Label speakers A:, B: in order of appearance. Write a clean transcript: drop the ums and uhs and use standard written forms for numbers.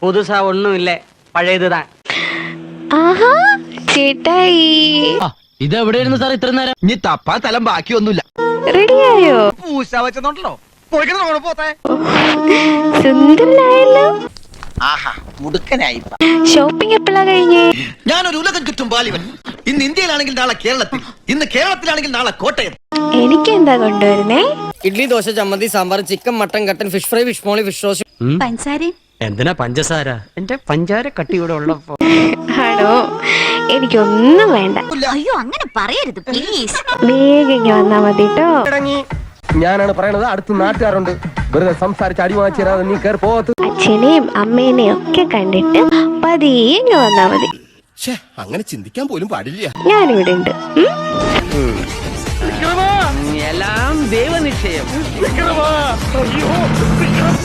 A: പുതുസാ ഒന്നുമില്ലേ, പഴയതുതാ.
B: ആഹാ ചേട്ടായി
C: ഇതെവിടെയായിരുന്നു സാർ ഇത്ര നേരം?
D: ഇനി തപ്പാൻ സ്ഥലം ബാക്കിയൊന്നുമില്ല.
B: റെഡിയായോ?
D: പൂശ വെച്ചോണ്ടല്ലോ പോത്തെ.
B: സുന്ദരനായല്ലോ.
D: ആഹാ മുടുക്കനായി.
B: ഷോപ്പിംഗ് എപ്പോഴാ കഴിഞ്ഞേ?
D: ഞാനൊരു ഉലകം ചുറ്റും ബാലിവൻ. ഇന്ന് ഇന്ത്യയിലാണെങ്കിൽ നാളെ കേരളത്തിൽ, ഇന്ന് കേരളത്തിലാണെങ്കിൽ നാളെ കോട്ടയം.
B: എനിക്ക് എന്താ കൊണ്ടുവരുന്നേ?
C: ഇഡ്ലി, ദോശ, ചമ്മന്തി, സാമ്പാർ, ചിക്കൻ, മട്ടൻ, കട്ടൻ, fish fry, fish molee, fish roast.
B: പഞ്ചസാരയും.
A: എന്തിനാ പഞ്ചസാര? എന്റെ പഞ്ചാര കട്ടി ഇവിടെ ഉള്ളപ്പോ.
B: ആണോ? എനിക്കൊന്നും വേണ്ട.
E: അയ്യോ അങ്ങനെ പറയരുത് പ്ലീസ്.
B: വേഗം ഇങ്ങ് വന്നാ മതി ട്ടോ.
F: ഞാനാണ് പറയണത്, അടുത്ത് നാട്ടുകാരുണ്ട്. വെറുതെ സംസാരിച്ച് അടി വാങ്ങിച്ചാൽ നീ കയറി പോകത്ത്.
B: അച്ഛനെയും അമ്മേനെയും ഒക്കെ കണ്ടിട്ട് പതിയെ ഇങ്ങ് വന്നാ മതി.
F: അങ്ങനെ ചിന്തിക്കാൻ പോലും പാടില്ല.
B: ഞാനിവിടെ ഉണ്ട്.
A: എല്ലാം ദൈവനിശ്ചയം.